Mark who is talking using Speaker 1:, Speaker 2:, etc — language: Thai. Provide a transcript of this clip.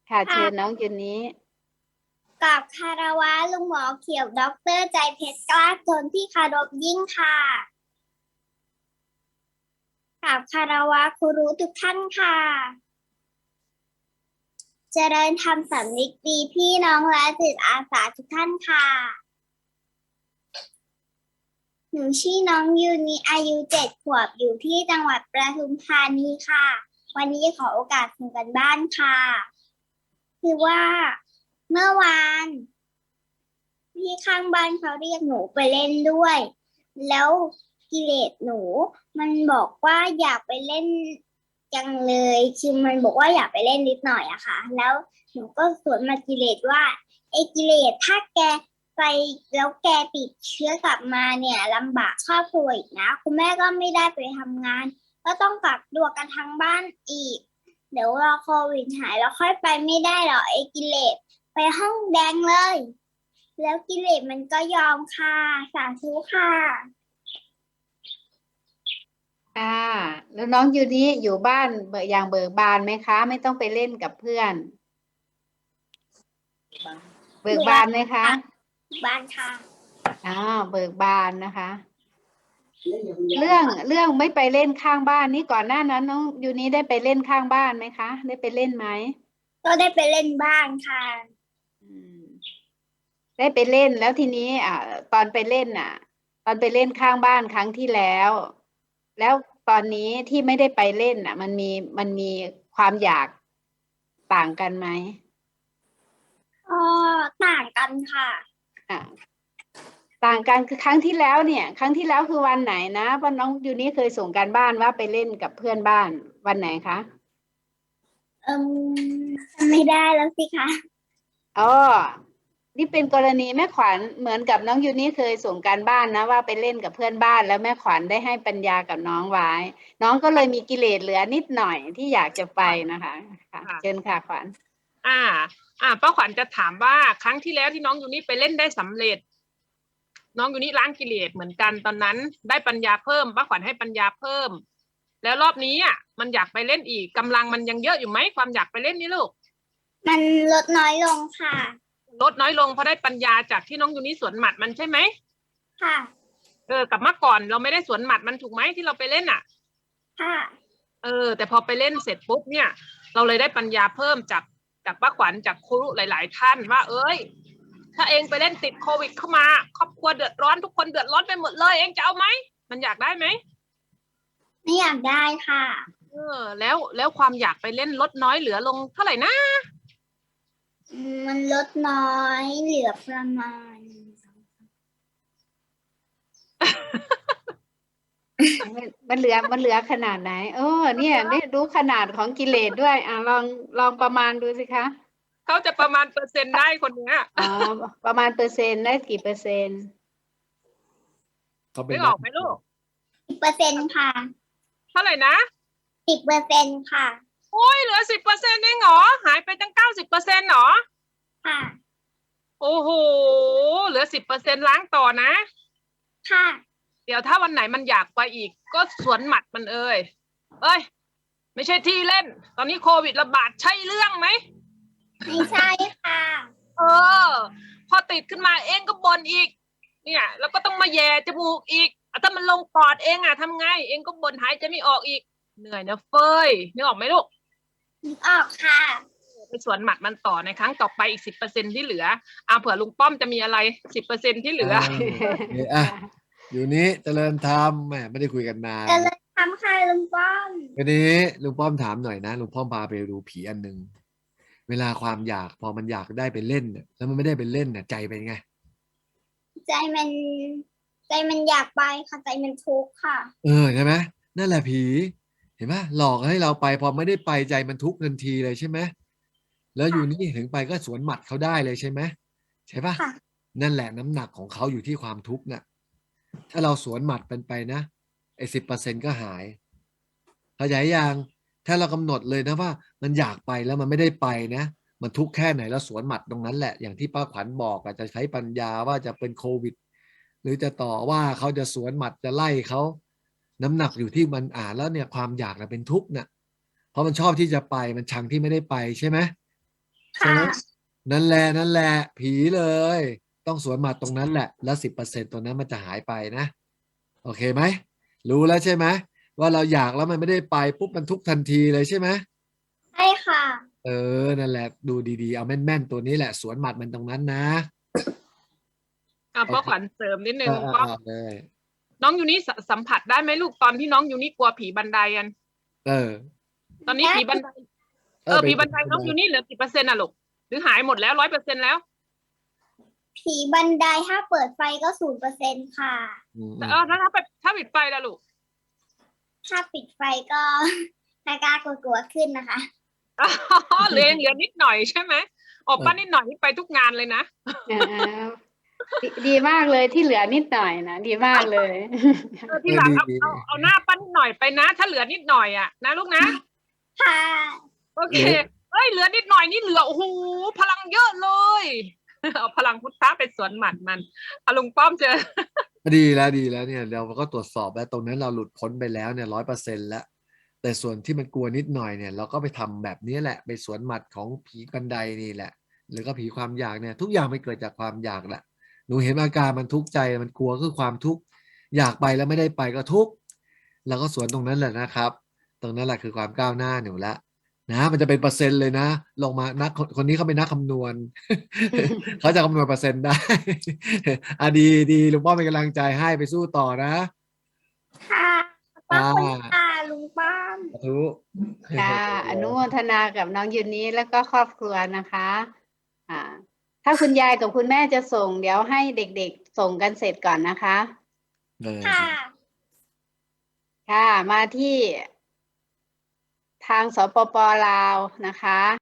Speaker 1: ค่ะเชิญน้
Speaker 2: ค่ะ
Speaker 1: องยูนี้
Speaker 2: กับคารวะลุงหมอเขียวด็อกเตอร์ใจเพชรกล้าจนที่เคารพยิ่งค่ะกับคารวะครูรู้ทุกท่านค่ะเจริญธรรมสำนึกดีพี่น้องและจิตอาสาทุกท่านค่ะหนูชื่อน้องยูนีอายุ7 ขวบอยู่ที่จังหวัดปทุมธานีค่ะวันนี้ขอโอกาสส่งกันบ้านค่ะคือว่าเมื่อวานพี่ข้างบ้านเขาเรียกหนูไปเล่นด้วยแล้วกิเลสหนูมันบอกว่าอยากไปเล่นจังเลยคือมันบอกว่าอยากไปเล่นนิดหน่อยอะค่ะแล้วหนูก็สวนมากิเลสว่าไอ้กิเลสถ้าแกไปแล้วแกติดเชื้อกลับมาเนี่ยลำบากครอบครัวอีกนะคุณแม่ก็ไม่ได้ไปทำงานก็ต้องกักตัวกันทั้งบ้านอีกเดี๋ยวรอโควิดหายแล้วค่อยไปไม่ได้หรอไอ้กิเลสไปห้องแดงเลยแล้วกิเลสมันก็ยอมค่ะสาธุค่ะ
Speaker 1: ค่ะแล้วน้องยูนี้อยู่บ้านอย่างเบิกบานไหมคะไม่ต้องไปเล่นกับเพื่อนเบิกบานไหมคะ
Speaker 2: บ้านค่ะ
Speaker 1: เบิกบานนะคะ เรื่องไม่ไปเล่นข้างบ้านนี่ก่อนหน้านั้นน้องยูนี้ได้ไปเล่นข้างบ้านไหมคะได้ไปเล่นไหม
Speaker 2: ก็ได้ไปเล่นบ้างค่ะ
Speaker 1: อืมได้ไปเล่นแล้วทีนี้ตอนไปเล่นตอนไปเล่นข้างบ้านครั้งที่แล้วแล้วตอนนี้ที่ไม่ได้ไปเล่นมันมีความอยากต่างกันไหม
Speaker 2: อ๋อต่างกันค่ะ
Speaker 1: อ่าต่างกันคือครั้งที่แล้วเนี่ยครั้งที่แล้วคือวันไหนนะเพราะน้องยูนี่เคยส่งการบ้านว่าไปเล่นกับเพื่อนบ้านวันไหนคะ
Speaker 2: จำไม่ได้แล้วสิคะ
Speaker 1: อ๋อนี่เป็นกรณีแม่ขวัญเหมือนกับน้องยูนี่เคยส่งการบ้านนะว่าไปเล่นกับเพื่อนบ้านแล้วแม่ขวัญได้ให้ปัญญากับน้องไว้น้องก็เลยมีกิเลสเหลือนิดหน่อยที่อยากจะไปนะคะค่ะ
Speaker 3: ค่ะ
Speaker 1: เชิญค่ะขวัญ
Speaker 3: อ่าป้าขวัญจะถามว่าครั้งที่แล้วที่น้องยูนี่ไปเล่นได้สำเร็จน้องยูนี่ล้างกิเลสเหมือนกันตอนนั้นได้ปัญญาเพิ่มป้าขวัญให้ปัญญาเพิ่มแล้วรอบนี้มันอยากไปเล่นอีกกำลังมันยังเยอะอยู่ไหมความอยากไปเล่นนี่ลูก
Speaker 2: มันลดน้อยลงค่ะ
Speaker 3: ลดน้อยลงเพราะได้ปัญญาจากที่น้องยูนี่สวนหมัดมันใช่ไหม
Speaker 2: ค่ะ
Speaker 3: กับเมื่อก่อนเราไม่ได้สวนหมัดมันถูกไหมที่เราไปเล่น
Speaker 2: ค่ะ
Speaker 3: แต่พอไปเล่นเสร็จปุ๊บเนี่ยเราเลยได้ปัญญาเพิ่มจากป้าขวัญจากครูหลายๆท่านว่าถ้าเองไปเล่นติดโควิดเข้ามาครอบครัวเดือดร้อนทุกคนเดือดร้อนไปหมดเลยเองจะเอาไหมมันอยากได้ไหม
Speaker 2: ไม่อยากได้ค่ะ
Speaker 3: แล้วความอยากไปเล่นลดน้อยเหลือลงเท่าไหร่นะ
Speaker 2: มันลดน้อยเหลือประมาณ
Speaker 1: มันเหลือขนาดไหนเนี่ยได้รู้ขนาดของกิเลสด้วยลองประมาณดูสิคะ
Speaker 3: เขาจะประมาณเปอร์เซ็นต์ได้คนเนี้ย
Speaker 1: ประมาณเปอร์เซ็นต์ได้กี่เปอร์เซ็นต์
Speaker 3: ไม่ออกไหมลูก
Speaker 2: 10%ค่ะ
Speaker 3: เท่าไหร่นะ
Speaker 2: 10%ค่ะ
Speaker 3: โอ้ยเหลือ10%เองเหรอหายไปตั้ง90%เหรอ
Speaker 2: ค่ะ
Speaker 3: โอ้โหเหลือ10%ล้างต่อนะ
Speaker 2: ค่ะ
Speaker 3: เดี๋ยวถ้าวันไหนมันอยากไปอีกก็สวนหมัดมันเอ้ยไม่ใช่ที่เล่นตอนนี้โควิดระบาดใช่เรื่องไหม
Speaker 2: ไม่ใช่ค่ะ
Speaker 3: พอติดขึ้นมาเองก็บ่นอีกเนี่ยแล้วก็ต้องมาแย่จมูกอีกถ้ามันลงปอดเองทำไงเองก็บ่นหายใจไม่ออกอีกเหนื่อยนะเฟ้ยนึกออกไหมลูก
Speaker 2: นึกออกค่ะ
Speaker 3: ไปสวนหมัดมันต่อในครั้งต่อไปอีก10%ที่เหลือเผื่อลุงป้อมจะมีอะไร10%ที่เหลือ
Speaker 4: อยู่นี้เจริญธรรมแหมไม่ได้คุยกันนาน
Speaker 2: เจริญธรรมค่ะลุงป้อม
Speaker 4: วันนี้ลุงป้อมถามหน่อยนะลุงป้อมพาไปดูผีอันหนึ่งเวลาความอยากพอมันอยากได้ไปเล่นแล้วมันไม่ได้ไปเล่นใจเป็นไง
Speaker 2: ใจมันอยากไปค่ะใจมันทุกข์ค่ะ
Speaker 4: ใช่ไหมนั่นแหละผีเห็นไหมหลอกให้เราไปพอไม่ได้ไปใจมันทุกข์ทันทีเลยใช่ไหมแล้วอยู่นี่ถึงไปก็สวนหมัดเขาได้เลยใช่ไหมใช่ปะนั่นแหละน้ำหนักของเขาอยู่ที่ความทุกข์น่ะถ้าเราสวนหมัดเป็นไปนะไอ้10%ก็หายเข้าใจยังถ้าเรากำหนดเลยนะว่ามันอยากไปแล้วมันไม่ได้ไปนะมันทุกข์แค่ไหนแล้วสวนหมัดตรงนั้นแหละอย่างที่ป้าขวัญบอกจะใช้ปัญญาว่าจะเป็นโควิดหรือจะต่อว่าเขาจะสวนหมัดจะไล่เขาน้ำหนักอยู่ที่มันแล้วเนี่ยความอยากเป็นทุกข์น่ะเพราะมันชอบที่จะไปมันชังที่ไม่ได้ไปใช่ไหมใช่ไหม
Speaker 2: ค่ะ
Speaker 4: นั่นแหละผีเลย ต้องสวนหมัดตรงนั้นแหละ แล้ว10%ตัวนั้นมันจะหายไปนะ โอเคไหม รู้แล้วใช่ไหมว่าเราอยากแล้วมันไม่ได้ไปปุ๊บมันทุกข์ทันทีเลยใช่ไหม
Speaker 2: ใช่ค่ะ
Speaker 4: นั่นแหละดูดีๆเอาแม่นๆตัวนี้แหละสวนหมัดมันตรงนั้นนะ
Speaker 3: ป้าขวัญเสริมนิดนึง
Speaker 4: เอา
Speaker 3: ก็
Speaker 4: เลย
Speaker 3: น้องยูนี่สัมผัสได้ไหมลูกตอนที่น้องยูนี่กลัวผีบันไดอัน
Speaker 4: เออ
Speaker 3: ตอนนี้ผีบันไดผีบันไดน้องยูนี่เหลือกี่เปอร์เซ็นต์อ่ะลูกหรือหายหมดแล้ว100%แล้ว
Speaker 2: ผีบันไดถ้าเปิดไฟก็0%ค่ะ
Speaker 3: แต่ถ้าปิดไฟแล้วลูก
Speaker 2: ถ้าปิดไฟก็กล้ากลัวๆขึ้นนะคะ
Speaker 3: เหลือนิดหน่อยใช่ไหมอ๋อป้านิดหน่อยนี่ไปทุกงานเลยนะ
Speaker 1: ดีมากเลยที่เหลือนิดหน่อยนะดีมากเลย
Speaker 3: ที่หลังเอาหน้าป้านิดหน่อยไปนะ ถ้าเหลือนิดหน่อยอ่ะนะลูกนะ
Speaker 2: ค่ะ
Speaker 3: โอเคเอ้ยเหลือนิดหน่อยนี่เหลือโอ้โหพลังเยอะเลยเอาพลังพุทธะไปสวนหมัดมันเอาลุงป้อมเจอ
Speaker 4: ดีแล้วเนี่ยเราก็ตรวจสอบแล้วตรงนั้นเราหลุดพ้นไปแล้วเนี่ย100%แล้วแต่ส่วนที่มันกลัวนิดหน่อยเนี่ยเราก็ไปทำแบบนี้แหละไปสวนหมัดของผีบันไดนี่แหละหรือก็ผีความอยากเนี่ยทุกอย่างมันเกิดจากความอยากแหละหนูเห็นอาการมันทุกข์ใจมันกลัวคือความทุกข์อยากไปแล้วไม่ได้ไปก็ทุกข์เราก็สวนตรงนั้นแหละนะครับ ตรงนั้นแหละคือความก้าวหน้าหนูละนะมันจะเป็นเปอร์เซ็นต์เลยนะลงมานักคนนี้เขาเป็นนักคำนวณ เขาจะคำนวณเปอร์เซ็นต์ได้ ดีลุงป้อมเป็นกำลังใจให้ไปสู้ต่อนะ
Speaker 2: ค่ะขอบคุณค่ะลุงป้อม
Speaker 4: สาธุ
Speaker 1: ค่ะอนุโมทนากับน้องยูนี้แล้วก็ครอบครัวนะคะถ้าคุณยายกับคุณแม่จะส่งเดี๋ยวให้เด็กๆส่งกันเสร็จก่อนนะคะ
Speaker 2: ค่ะ
Speaker 1: ค่ะมาที่ทางสปป.ลาวนะคะ